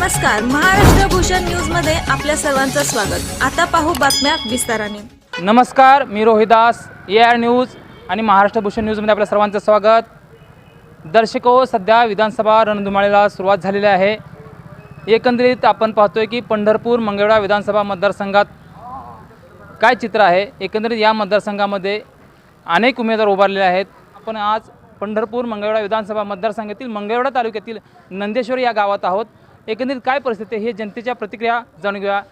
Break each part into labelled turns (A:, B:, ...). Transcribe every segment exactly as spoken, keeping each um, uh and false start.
A: नमस्कार, महाराष्ट्र भूषण न्यूज मध्ये आपल्या सर्वांचं स्वागत. आता पाहू बातम्या विस्ताराने.
B: नमस्कार, मी रोहिदास, ए आर न्यूज आणि महाराष्ट्र भूषण न्यूजमध्ये आपल्या सर्वांचं स्वागत. दर्शको, सध्या विधानसभा रणधुमाळीला सुरुवात झालेली आहे. एकंदरीत आपण पाहतोय की पंढरपूर मंगळवेढा विधानसभा मतदारसंघात काय चित्र आहे. एकंदरीत या मतदारसंघामध्ये अनेक उमेदवार उभारलेले आहेत. आपण आज पंढरपूर मंगळवेढा विधानसभा मतदारसंघातील मंगळवेढा तालुक्यातील नंदेश्वर या गावात आहोत. एकंदरीत काय परिस्थिती आहे हे जनतेच्या प्रतिक्रिया जाणून घेऊया.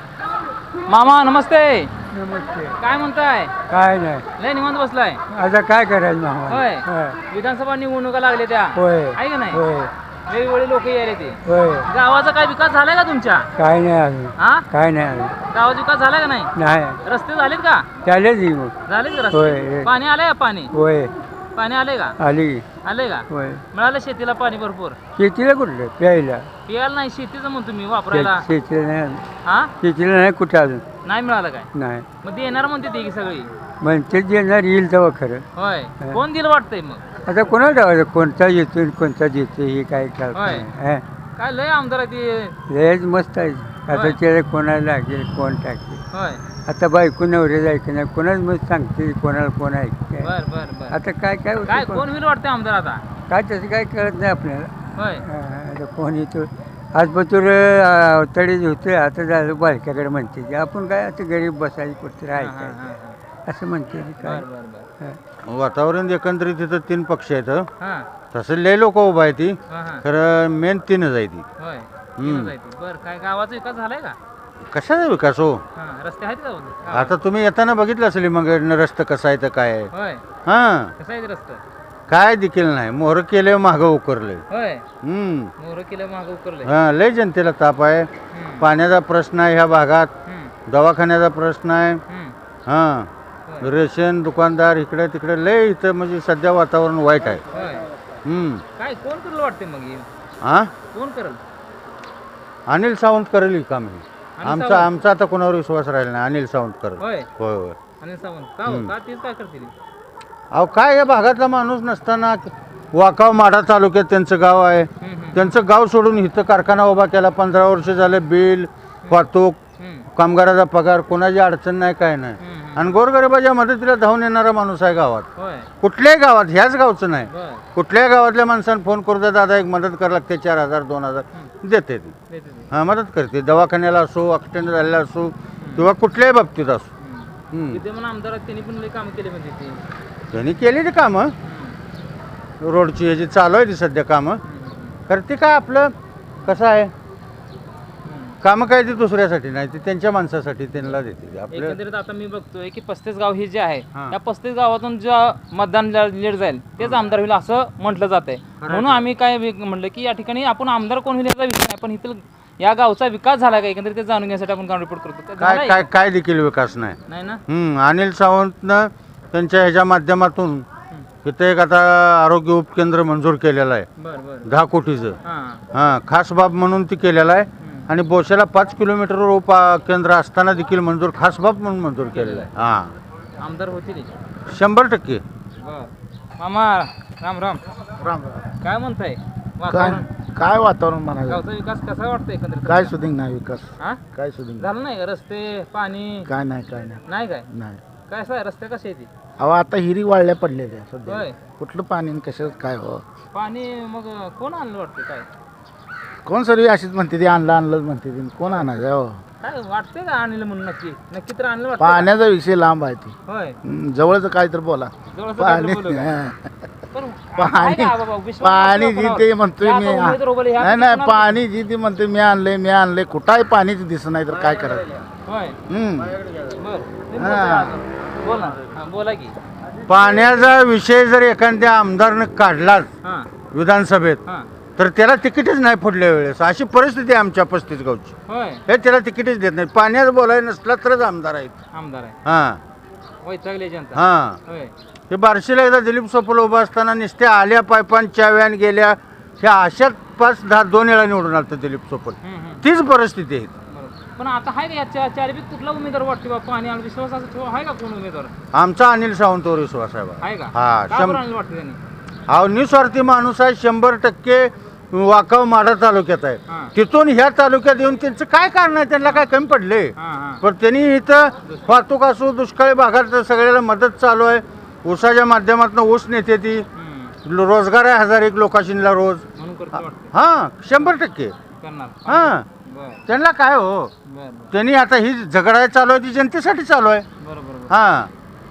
B: मामा नमस्ते.
C: नमस्ते.
B: काय म्हणताय?
C: काय नाही,
B: लय निवांत बसलाय.
C: आता काय करायचं मामा?
B: होय, विधानसभा निवडणुका लागल्या त्या
C: होय
B: आहे का नाही?
C: होय
B: वेगवेगळे लोक यायले ते.
C: होय.
B: गावाचा काय विकास झालाय का तुमच्या?
C: काय नाही अजून,
B: हा
C: काय नाही अजून.
B: गावाचा विकास झाला का नाही?
C: नाही
B: रस्ते झालेत का?
C: चालेल की मग.
B: झाले का
C: होय.
B: रस्ते? पाणी आलंय का? पाणी
C: होय
B: पाणी आलंय का?
C: आली.
B: आलंय का?
C: होय.
B: मिळालं शेतीला पाणी भरपूर?
C: शेतीला कुठलं प्यायला?
B: पियाला नाही, शेतीचं म्हणतो मी, वापरायला.
C: शे- शेतीला नाही अजून.
B: हा
C: शेतीला नाही कुठं अजून.
B: नाही मिळालं काय?
C: नाही
B: मग ते येणार म्हणते ती की सगळी.
C: म्हणते येणार येईल तेव्हा खरं.
B: होय, कोण दिलं वाटतंय मग?
C: आता कोणाला ठेवायचं, कोणता येतो आणि कोणता देतो हे काय कळत
B: होय.
C: नाही. हा.
B: काय लय आमदार आहे ते.
C: लयच मस्त आहे. आता
B: होय.
C: त्याला कोणाला लागेल, कोण टाकेल.
B: होय,
C: आता बायको नवरे जायचं नाही, कोणाच मग सांगते कोणाला कोण ऐकते.
B: बर बर बर.
C: आता काय काय होतं,
B: काय
C: कोण-
B: कोण होईल वाटतंय आमदार आता?
C: काय तसं काय कळत नाही आपल्याला.
B: होय.
C: हा, आता कोण येतो आज पतूर तडीच होते, आता झालं बालक्याकडे म्हणते की आपण काय आता गरीब बसायची कुठे
B: हा, हा,
C: राहायचं
B: हा, हा.
C: असं म्हणते की
B: बर
C: काय.
B: बर बर.
C: हा.
D: वातावरण एकंदरीत तिथं तीन पक्ष आहेत हं.
B: हा
D: तसं लय लोक उभा आहे ती,
B: हा हा.
D: खरं मेन तीनच आहे ती.
B: होय.
D: हम्म.
B: तीनच आहे ती. बर, काय गावाचा विकास झालाय का?
D: कशाचा विकास हो?
B: हा, रस्ते आहेत का वगैरे?
D: आता तुम्ही येताना बघितलं असेल मग रस्ता कसा आहे तर काय आहे.
B: होय.
D: हा
B: कसं आहे ते रस्ता?
D: काय देखील नाही, मोहर केले मागं उकरले.
B: होय.
D: हम्म
B: मोहर किलो मागं उकरलंय.
D: हा लय जनतेला ताप आहे.
B: हम्म.
D: पाण्याचा प्रश्न आहे ह्या भागात,
B: हम्म.
D: दवाखान्याचा प्रश्न आहे.
B: हम्म.
D: हा
B: होय.
D: रेशन दुकानदार इकडे तिकडे लय इथं म्हणजे सध्या वातावरण वाईट आहे.
B: होय.
D: हम्म
B: काय कोण करेल वाटते मग हे?
D: हा
B: कोण करेल?
D: अनिल सावंत करेल ही काम हे.
B: अनिल
D: आमचा
B: सावंत?
D: आमचा आता कोणावर विश्वास राहिला नाही. अनिल सावंत करेल.
B: होय.
D: होय होय.
B: अनिल सावंत का हो?
D: हम्म.
B: का तेच काय करतील?
D: अहो काय या भागातला माणूस नसताना वाकाव माढा तालुक्यात त्यांचं गाव आहे.
B: हम्म, हम्म.
D: त्यांचं गाव सोडून इथं कारखाना उभा केला. पंधरा वर्ष झाले बिल वाहतूक
B: हम्म.
D: कामगाराचा पगार कोणाची अडचण नाही काय नाही.
B: हम्म, हम्म.
D: आणि गोरगरिबाच्या मदतीला धावून येणारा माणूस आहे गावात.
B: होय.
D: कुठल्याही गावात, ह्याच गावचं नाही,
B: बर.
D: कुठल्याही गावातल्या माणसानं फोन करू द्या, दादा एक मदत करावं लागते, चार हजार दोन हजार देते ती.
B: देते ते.
D: हां मदत करते. दवाखान्याला असो, ॲक्सिडेंट झालेला असो किंवा कुठल्याही बाबतीत असो.
B: हम्म.
D: हम्म.
B: विद्यमान आमदार आहेत, त्यांनी पण लय कामं केली म्हणजे ते.
D: त्यांनी केलेली कामं,
B: हम्म.
D: रोडची ह्याची चालू आहे ती सध्या कामं.
B: हम्म.
D: तर ती काय आपलं कसं आहे,
B: हम्म.
D: कामं काय ती दुसऱ्यासाठी नाही, ती त्यांच्या माणसासाठी त्यांना देते आपलं.
B: एकंदरीत आता मी बघतोय की पस्तीस गाव हे जे आहे,
D: हां.
B: या पस्तीस गावातून ज्या मतदान लीड जाईल तेच आमदार होईल असं म्हटलं जात आहे. म्हणून आम्ही काय वि- म्हणलं की या ठिकाणी आपण आमदार कोण होईल याचा विषय नाही, पण इथं या गावचा विकास झाला का एकंदरीत ते जाणून घेण्यासाठी आपण ग्राउंड रिपोर्ट करतो.
D: काय
B: झालाय
D: काय
B: का?
D: काय देखील विकास नाही.
B: नाही ना.
D: हम्म, अनिल सावंतनं त्यांच्या ह्याच्या माध्यमातून इथं एक आता आरोग्य उपकेंद्र मंजूर केलेलं आहे
B: बर बर.
D: दहा कोटीचं.
B: हां.
D: हां खास बाब म्हणून ती केलेलं आहे.
B: हम्म.
D: आणि बोशाला पाच किलोमीटरवर उप केंद्र असताना देखील मंजूर खास बाब म्हणून मंजूर केलेलं आहे. हां
B: आमदार होतील.
D: शंभर टक्के.
B: बर. मामा राम राम.
E: राम
B: काय म्हणताय?
E: काय
B: वातावरण
E: काय वातावरण म्हणायचं,
B: गावचा विकास कसा वाटतंय एकंदरीत?
E: काय सुधिंग नाही विकास,
B: हा
E: काय सुधिंग
B: झालं नाही का? रस्ते पाणी
E: काय नाही, काय नाही
B: नाही काय?
E: नाही.
B: काय असं आहे, रस्ते कसे आहेत?
E: अहो आता हिरी वाळल्या पडलेल्या सध्या,
B: होय.
E: कुठलं पाणी आणि कशात काय हो.
B: पाणी मग कोण आणलं वाटतं काय?
E: कोण सर्व अशीच म्हणते ती आणलं आणलं म्हणते ती, कोण आणायचं हो.
B: काय वाटतंय का आणलं म्हणून? नक्की नक्की तर आणलं वाटतं का?
E: पाण्याचा विषय लांब आहे ती,
B: होय.
E: हम्म, जवळचं काय तर बोला.
B: जवळचं
E: पाणी
B: काहीतरी बोलू का?
E: हा.
B: पण
E: पाणी
B: आहे का बाबा? विश्वास
E: पाणी
B: नसतो
E: जी
B: कोणावर?
E: ते म्हणतोय
B: या
E: मी,
B: आता उमेदवार उभे ह्या
E: नाही
B: किती
E: नाही
B: कोणाला-
E: पाणी जी ती म्हणते मी आणलंय मी आणलंय, कुठं आहे पाणीच दिसत नाही तर काय करायचं.
B: होय.
E: हम्म.
B: बर तुम्ही
E: हा.
B: बोलताय अजून. बोला हा, बोला की.
D: पाण्याचा विषय जर एखाद्या आमदारनं काढलाच
B: हां
D: विधानसभेत
B: हां.
D: तर त्याला तिकीटच नाही पुढल्या वेळेस. अशी परिस्थिती आहे आमच्या पस्तीस गावची.
B: होय.
D: हे त्याला तिकीटच देत नाही. पाण्याचं बोलायला नसला तरच आमदार आहेत.
B: आमदार आहे.
D: हां
B: वैतागले जनता.
D: हां
B: होय.
D: हे बार्शीला एकदा दिलीप सोपल उभा असताना नुसत्या आल्या पायपांच्या व्यान गेल्या, ह्या अशाच पाच दहा दोन वेळा निवडून आलं दिलीप सोपल.
B: हम्म, हम्म.
D: तीच परिस्थिती आहे.
B: बरोबर. पण आता आहे का याच्या चारपैकी कुठला उमेदवार वाटते बाबा? पाणी आणि विश्वास असं ठेवा आहे का कोण उमेदवार?
D: आमचा अनिल सावंतवर विश्वास आहे बा.
B: आहे का?
D: हा,
B: का
D: शं-
B: बरं आणलं वाटतं त्यांनी?
D: हा निस्वार्थी माणूस आहे. शंभर टक्के वाकाव माढा तालुक्यात
B: हां.
D: आहे. तिथून ह्या तालुक्यात येऊन त्यांचं काय कारण आहे, त्यांना काय कमी पडले.
B: हां हां
D: पण त्यांनी इथं वाहतूक असो, दुष्काळी भागात सगळ्याला मदत चालू आहे. ऊसाच्या माध्यमातून ऊस नेते ती,
B: हम्म.
D: रोजगार आहे हजार एक लोकांशीला रोज.
B: म्हणून करतो वाटतं
D: हां शंभर टक्के.
B: करणार
D: हां
B: बरं
D: त्यांना काय हो,
B: बरं बरं
D: त्यांनी आता ही झगडा चालू आहे ती जनतेसाठी चालू आहे.
B: बरं बरं बरं.
D: हां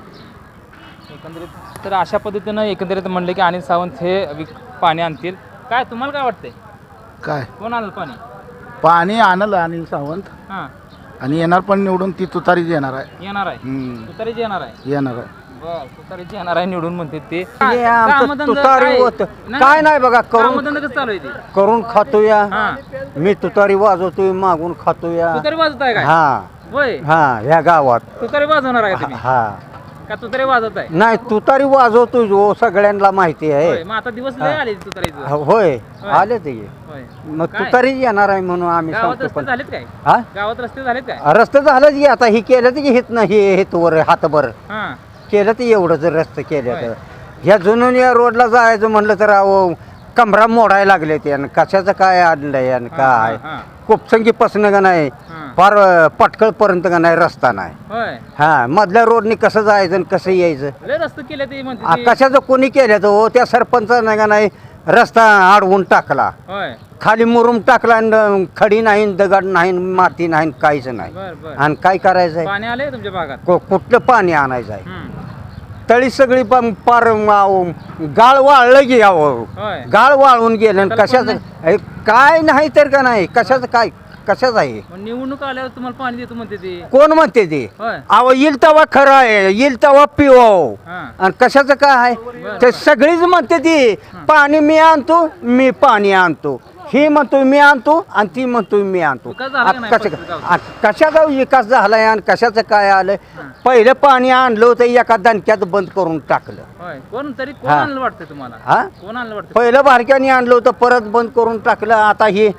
B: एकंदरीत तर अशा पद्धतीनं एकंदरीत म्हणले की अनिल सावंत हे विक पाणी आणतील. काय तुम्हाला काय वाटतंय,
E: काय
B: कोण आणलं पाणी?
E: पाणी आणलं अनिल सावंत
B: हां
E: आणि येणार पण निवडून ती तुतारीच येणार आहे.
B: येणार आहे,
E: हम्म,
B: तुतारीची येणार आहे.
E: येणार आहे.
B: बर तुतारीची येणार आहे निवडून म्हणते ते.
C: हे आमचं
B: कामधंदा
C: तुतारी
B: काय?
C: होतं.
B: नाही,
C: काय नाही बघा, करून
B: कामधंदा कसं चालू आहे ते?
C: करून खातोया.
B: हां
C: मी तुतारी वाजवतोय, मागून खातोया.
B: तुतारी वाजत आहे काय?
C: हा
B: होय
C: हा ह्या गावात.
B: तुतारी वाजवणार आहे तुम्ही
C: हा
B: का? तुतारी वाजत आहे
C: नाही, तुतारी वाजवतोय जो सगळ्यांना माहिती
B: होय.
C: आहे.
B: मग आता दिवस लय आले तुतारीचं.
C: होय
B: होय.
C: आले ते.
B: होय.
C: मग
B: काय?
C: तुतारी येणार आहे म्हणून आम्ही
B: गावात
C: सांगतो.
B: रस्ते
C: पण
B: झालेत काय?
C: हा
B: गावात रस्ते झालेत काय?
C: रस्ते झालं की आता ही केलं की हित नाही हेतवर हातभर
B: हां
C: केलं ते एवढंच रस्ते केलं
B: होय.
C: तर ह्या जुनून या रोडला जायचं म्हणलं तर अहो कमरा मोडायला लागले ते. आणि कशाचं काय आणलंय आणि काय
B: हां, हां.
C: कोपसंगी का नाही
B: हां.
C: फार पटकळपर्यंत का नाही रस्ता नाही.
B: होय
C: हा मधल्या रोडनी कसं जायचं आणि कसं यायचं.
B: लय रस्ते केले ते
C: आ,
B: म्हणते ते.
C: कशाचं कोणी केलं तर हो त्या सरपंचानं का नाही रस्ता अडवून टाकला,
B: होय
C: खाली मुरुम टाकला आणि खडी नाही दगड नाही माती नाही काहीच नाही.
B: बर बर.
C: आणि काय करायचंय,
B: पाणी आले तुमच्या भागात?
C: को- कुठलं पाणी आणायचं आहे.
B: हम्म.
C: तळी सगळी पण पार अहो, गाळ वाळलं की अहो
B: होय
C: गाळ वाळून गेलं आणि
B: त्याला
C: कशाचं
B: कोण
C: हे काय नाही तर का नाही कशाचं काय कशाचं आहे.
B: मग निवडणूक आल्यावर तुम्हाला पाणी देतो म्हणते ते.
C: कोण म्हणते ते
B: होय
C: अहो येईल तेव्हा खरं आहे, येईल तेव्हा पिओ.
B: हां
C: आणि कशाचं काय आहे ते सगळीच म्हणते ती पाणी मी आणतो, मी पाणी आणतो. ही म्हणतोय मी आणतो आणि ती म्हणतोय मी आणतो.
B: विकास झाला का नाही
C: आ, कसं
B: पस्तीस गावचा?
C: आ, कशाचा विकास झालाय आणि कशाचं काय आलंय. पहिलं पाणी आणलं होतं एका दणक्यात बंद करून टाकलं.
B: होय कोण तरी कोण
C: हां.
B: आणलं वाटतं तुम्हाला?
C: हा
B: कोण आणलं वाटतं?
C: पहिलं बारक्याने आणलं होतं परत बंद करून टाकलं. आता हे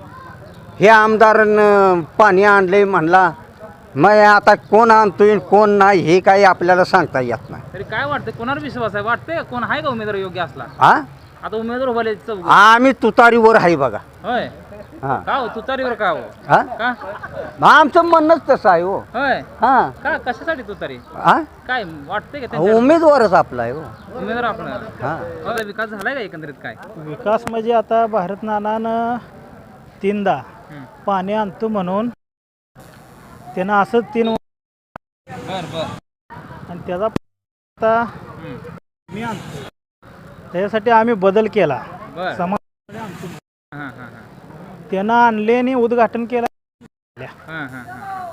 C: हे आमदारानं पाणी आणलंय म्हणला, मग आता कोण आणतोय कोण नाही हे काही आपल्याला सांगता येत नाही.
B: तरी काय वाटतं, कोणावर विश्वास आहे? वाटतंय का कोण आहे का उमेदवार योग्य असला?
C: हा
B: आता उमेदवार उभारले चौघ.
C: आम्ही तुतारीवर आहे बघा.
B: होय
C: हा
B: का हो तुतारीवर का हो?
C: हा
B: का?
C: आमचं म्हणणंच तसं आहे हो.
B: होय
C: हा
B: का कशासाठी तुतारी?
C: हा
B: काय वाटतंय का त्यांच्या
C: उमेदवारच आपला आहे हो.
B: उमेदवार आपण
C: हा
B: आता विकास झालाय का एकंदरीत काय?
F: विकास म्हणजे आता भारत नानानं तीनदा
B: हम्म.
F: पाणी आणतो म्हणून त्यानं असं तीन
B: बर बर.
F: आणि त्याचा आता
B: हम्म.
F: मी आणतो त्याच्यासाठी आम्ही बदल केला.
B: बर
F: समाज
B: हां हां हां
F: त्यानं आणले आणि उद्घाटन केलं.
B: हां हां हां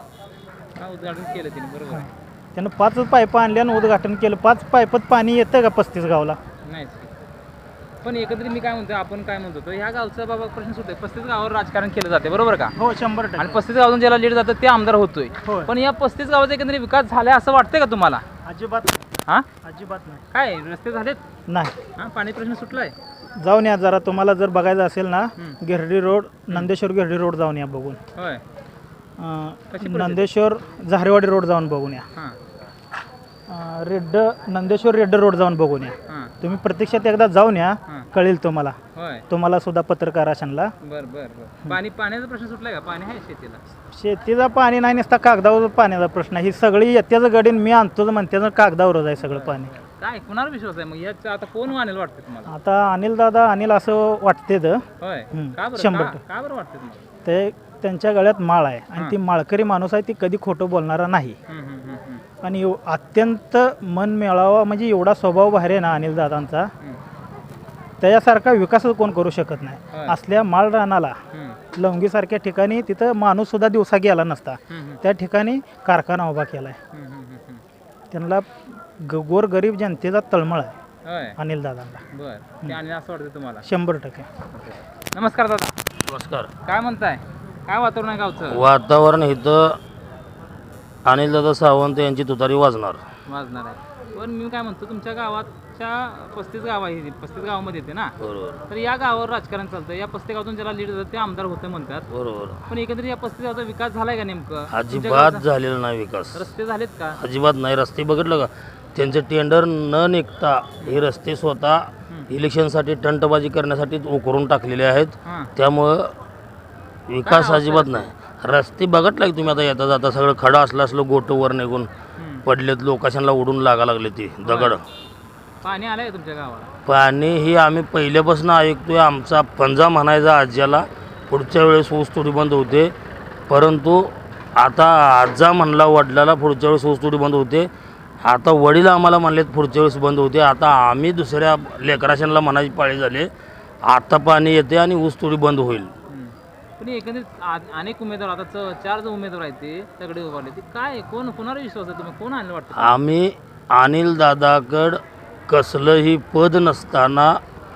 B: हा उद्घाटन केलं तिने बरोबर आहे.
F: त्यानं पाच पाईप आणले आणि उद्घाटन केलं. पाच पाईपात पाणी येतं का पस्तीस गावला?
B: नाहीच की. पण एकत्रित मी काय म्हणतो, आपण काय म्हणतो ह्या गावचा बाबा प्रश्न सुटतोय. पस्तीस गावावर राजकारण केलं जाते बरोबर का?
F: हो शंभर
B: आणि
F: टक्के.
B: पस्तीस गावातून ज्याला लीड जातं ते आमदार होतोय.
F: होय.
B: पण या पस्तीस गावाचा एकंदरीत विकास झालाय असं वाटतंय का तुम्हाला?
F: अजिबात
B: हा
F: अजिबात नाही.
B: काय रस्ते झालेत?
F: नाही
B: हा पाणी प्रश्न सुटलाय?
F: जाऊन या जरा, तुम्हाला जर बघायचं असेल ना
B: हम्म.
F: गिरडी रोड नंदेश्वर गिरडी रोड जाऊन या बघून.
B: होय
F: अं,
B: कशी परिस्थिती?
F: नंदेश्वर झारेवाडी रोड जाऊन बघून या.
B: हां
F: अं, रेड्ड नंदेश्वर रेड्ड रोड जाऊन बघून या.
B: हां
F: तुम्ही प्रत्यक्षात एकदा जाऊन या,
B: हां
F: कळेल तुम्हाला.
B: होय
F: तुम्हाला सुद्धा पत्रकार अशांना
B: बर बर बर. पाणी पाण्याचा प्रश्न सुटलाय का? पाणी आहे शेतीला?
F: शेतीचा पाणी नाही नुसता कागदावर पाण्याचा प्रश्न आहे. ही सगळी येत्याचं गडीन मी आणतो म्हणते कागदावरच आहे सगळं पाणी.
B: काय कुणावर विश्वास आहे मग याचा? आता कोण आणेल वाटतं तुम्हाला?
F: आता अनिल दादा अनिल असं वाटते तर
B: होय
F: हम्म,
B: का बरं?
F: शंभर
B: का-
F: टक्के.
B: का बरं वाटतं तुम्हाला?
F: ते त्यांच्या गळ्यात माळ आहे आणि
B: हां.
F: ती माळकरी माणूस आहे, ती कधी खोटं बोलणारा नाही.
B: हम्म, हम्म, हम्म, हम्म,
F: आणि एव- अत्यंत मन मिळावा म्हणजे एवढा स्वभाव बाहेर आहे ना अनिल दादांचा,
B: हम्म,
F: त्याच्यासारखा विकासच कोण करू शकत नाही.
B: होय.
F: असल्या माळ रानाला
B: हम्म,
F: लवंगीसारख्या ठिकाणी तिथं माणूस सुद्धा दिवसा गेला नसता.
B: हम्म, हम्म,
F: त्या ठिकाणी कारखाना उभा केला आहे.
B: हम्म, हम्म, हम्म, हम्म.
F: त्यांना ग- गोरगरीब जनतेचा तळमळ आहे
B: होय
F: अनिल दादांना
B: बर. ते आणि असं वाटतं तुम्हाला?
F: शंभर टक्के.
B: नमस्कार दादा,
G: नमस्कार.
B: काय म्हणताय? काय वातावरण आहे गावचं?
G: वातावरण इथं अनिलदादा सावंत यांची तुतारी वाजणार.
B: वाजणार आहे. पण मी काय म्हणतो, तुमच्या गावाच्या पस्तीस गाव आहे, पस्तीस गावामध्ये येते ना,
G: बरोबर
B: तर या गावावर राजकारण चालतं. या पस्तीस गावातून ज्याला लीड जातं ते आमदार होतं म्हणतात.
G: बरोबर.
B: पण एकंदरीत या पस्तीस गावाचा विकास झालाय का नेमकं? तुमच्या
G: अजिबात
B: गावाचा
G: झालेला नाही विकास.
B: रस्ते झालेत का?
G: अजिबात नाही. रस्ते बघितलं का त्यांचे टेंडर न निघता हे रस्ते स्वतः इलेक्शनसाठी टंटबाजी करण्यासाठी उकरून टाकलेले आहेत.
B: हां.
G: त्यामुळं विकास अजिबात नाही. रस्ते बघितला की तुम्ही आता येता जाता सगळं खडं असलं असलं गोटं वर निघून पडलेत, लोकांना उडून लागा लागले ती दगड.
B: पाणी आलंय तुमच्या गावाला?
G: पाणी ही आम्ही पहिल्यापासून ऐकतोय. आमचा पंजा म्हणायचा आज्याला पुढच्या वेळेस ऊस तोडी बंद होते, परंतु आता आजा म्हणला वडिलाला पुढच्या वेळेस ऊस तोडी बंद होते. आता वडील आम्हाला म्हणलेत पुढच्या वेळेस बंद होते. आता आम्ही दुसऱ्या लेकराशांना म्हणायची पाळी झाली, आता पाणी येते आणि ऊस तोडी बंद होईल.
B: पण एकंदरीत आ- अनेक उमेदवार आता च- चार जो उमेदवार आहेत ते सगळे उभारले, ते काय कोण कोणावर विश्वास आहे तुम्ही? कोण आणलं वाटतं?
G: आम्ही अनिल दादाकड कसलंही पद नसताना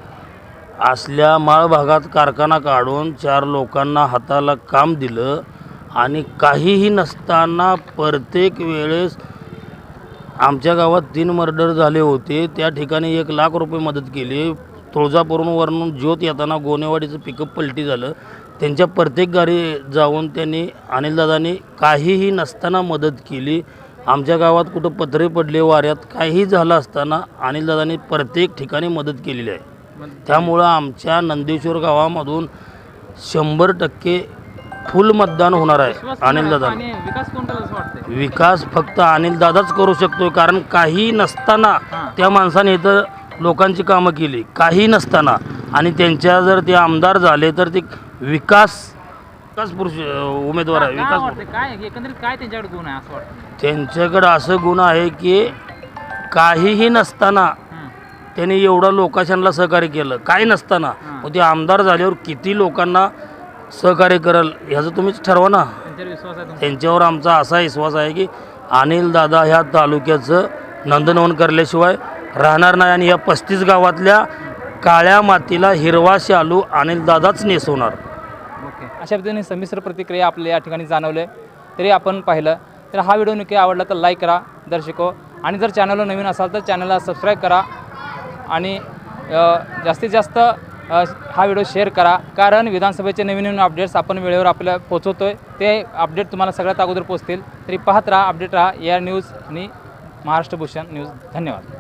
G: असल्या माळ भागात कारखाना काढून चार लोकांना हाताला काम दिलं आणि काहीही नसताना प्रत्येक वेळेस आमच्या गावात तीन मर्डर झाले होते, त्या ठिकाणी एक लाख रुपये मदत केली. तुळजापूरहून वरून ज्योत येताना गोनेवाडीचं पिकअप पलटी झालं, त्यांच्या प्रत्येक गाडी जाऊन त्यांनी अनिलदादांनी काहीही नसताना मदत केली. आमच्या गावात कुठं पत्रे पडले वाऱ्यात काहीही झालं असताना अनिलदादांनी प्रत्येक ठिकाणी मदत केलेली आहे. त्यामुळं आमच्या नंदेश्वर गावामधून शंभर टक्के फुल मतदान होणार आहे अनिलदादा.
B: आणि विकास कोण करेल असं वाटतंय?
G: विकास फक्त अनिलदादाच करू शकतोय, कारण काही नसताना त्या माणसाने इथं लोकांची कामं केली, काही नसताना. आणि त्यांच्या जर ते आमदार झाले तर ते विकास विकास पुरुष उमेदवार आहे.
B: काय
G: विकास
B: वाटतंय? काय एकंदरीत काय त्यांच्याकडे गुण आहे असं वाटतं?
G: त्यांच्याकडं असं गुण आहे की काहीही नसताना त्यांनी एवढं लोकांना सहकार्य केलं, काही नसताना. मग ते आमदार झाल्यावर किती लोकांना सहकार्य करेल ह्याचं तुम्हीच ठरवा ना.
B: त्यांच्यावर विश्वास आहे तुमचा?
G: त्यांच्यावर आमचा असा विश्वास आहे की अनिलदादा ह्या तालुक्याचं नंदनवन करल्याशिवाय राहणार नाही आणि या पस्तीस गावातल्या काळ्या मातीला हिरवा शालू अनिलदादाच नेसवणार.
B: ओके, अशा पद्धतीने संमिश्र प्रतिक्रिया आपल्या या ठिकाणी जाणवले तरी आपण पाहिलं. तर हा व्हिडिओ नक्की आवडला तर लाईक करा दर्शको, आणि जर चॅनलला नवीन असाल तर चॅनलला सबस्क्राईब करा आणि अ, जास्तीत जास्त अ, हा व्हिडिओ शेअर करा, कारण विधानसभेचे नवीन नवीन अपडेट्स आपण वेळेवर आपल्या पोहोचवतो आहे. ते अपडेट तुम्हाला सगळ्यात अगोदर पोहोचतील. तरी पाहत राहा, अपडेट राहा, एआर न्यूज आणि महाराष्ट्र भूषण न्यूज. धन्यवाद.